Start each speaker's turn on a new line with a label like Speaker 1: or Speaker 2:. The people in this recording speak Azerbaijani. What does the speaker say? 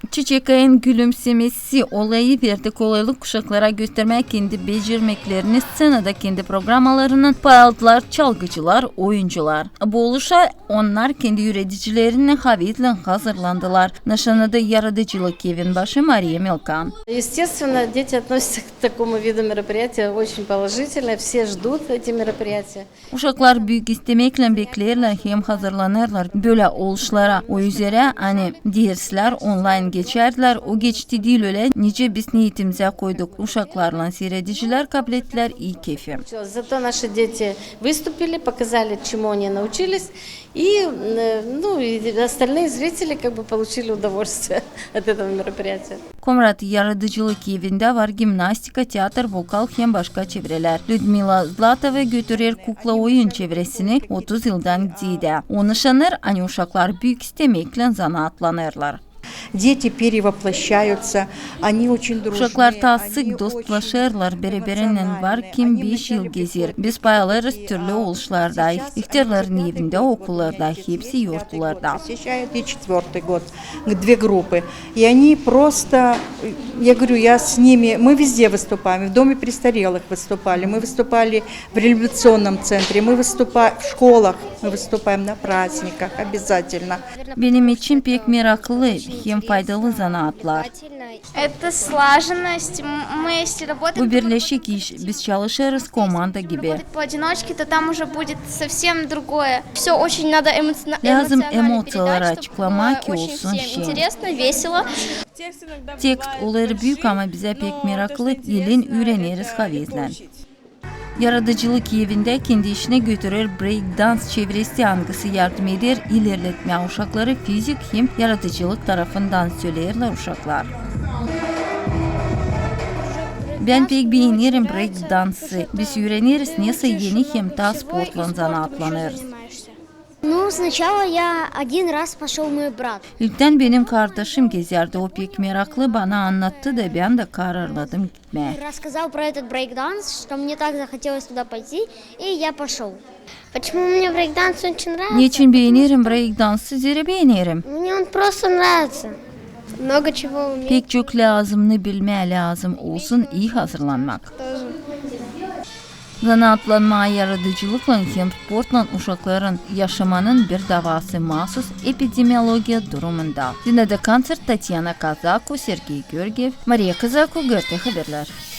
Speaker 1: Çiçek Ay'ın gülümsemesi olayı verdi kolaylık kuşaklara göstermek kendi becermeklerini scenada kendi programalarının paraltılar, çalgıcılar, oyuncular. Bu oluşa onlar kendi üreticilerine havitle hazırlandılar. Nişanada yaratıcılık evin başı Mariya Milkan.
Speaker 2: Естественно, дети относятся к такому виду мероприятия очень положительно, все ждут эти мероприятия.
Speaker 1: Uşaklar büyük istemekle beklerler hem hazırlanırlar böyle oluşlara. O üzere hani dersler online geçerdiler. O geçti değil öyle. Nice biz niyetimize koyduk. Uşaklarla seyrediciler kabul ettiler iyi keyfi.
Speaker 2: Зато наши дети выступили, показали, чему они научились, и, и остальные зрители получили удовольствие от этого мероприятия.
Speaker 1: Komrat yaratıcılık evinde var gimnastika, tiyatr, vokal hem başka çevreler. Людмила Zlatova götürür kukla oyun çevresini 30 yıldan gidiydi. Onu şanır, hani uşaklar büyük istemekle zanaatlanırlar.
Speaker 3: Дети перевоплощаются, они очень дружные.
Speaker 1: Uşaklar ta sık dostlaşırlar, birbirinden var kim 5 yıl gezir. Biz paylarız türlü oluşlarda, ihtiyarların evinde, okullarda, hepsi yurtlarda.
Speaker 3: Посещают и 4-й год, 2 группы. И они просто, я говорю, я с ними, мы везде выступаем, в доме престарелых выступали, мы выступали в реабилитационном центре, мы выступаем в школах, мы выступаем на праздниках обязательно.
Speaker 1: Benim için pek meraklı hem faydalı zanaatlar.
Speaker 4: Это слаженность. Мы, если работаем...
Speaker 1: Bu birleşik iş, biz çalışırız komanda gibi.
Speaker 4: Работать поодиночке, то там уже будет совсем другое. Все очень надо
Speaker 1: Lazım
Speaker 4: эмоционально
Speaker 1: emotsiyaları
Speaker 4: передать,
Speaker 1: açıklamak ki
Speaker 4: чтобы очень
Speaker 1: olsun
Speaker 4: всем
Speaker 1: şey.
Speaker 4: интересно, весело.
Speaker 1: Tekst olayı büyük ama bize pek meraklı, ilin öğreniriz havizlen. Yaratıcılık evinde kendi işine götürür breakdance çevresi hangisi yardım eder ilerletmeye uşakları fizik hem yaratıcılık tarafından söylerler uşaklar. Ben pek beğenirim breakdance'ı. Biz öğreniriz neyse yeni hem ta sportla zanaatlanırız.
Speaker 5: Ну, сначала я один раз пошел мой брат.
Speaker 1: İlkten benim kardeşim gezerdi. O pek meraklı bana anlattı da ben de kararladım gitmeye.
Speaker 5: Рассказал про этот брейкданс, что мне так захотелось туда пойти, и я пошел. Почему мне брейкданс очень нравится?
Speaker 1: Niçin beğenirim breakdance'ı? Zira beğenirim.
Speaker 5: Мне он просто nравится. Много чего умеет.
Speaker 1: Pek çok lazımını bilmeye lazım olsun iyi hazırlanmak. Zanaatlanmaya yaratıcılıkla hem sportla uşakların yaşamanın bir davası mahsus epidemiologiya durumunda. Dinledi konser Tatyana Kazako, Sergey Georgiev, Maria Kazako, GRT Haberler.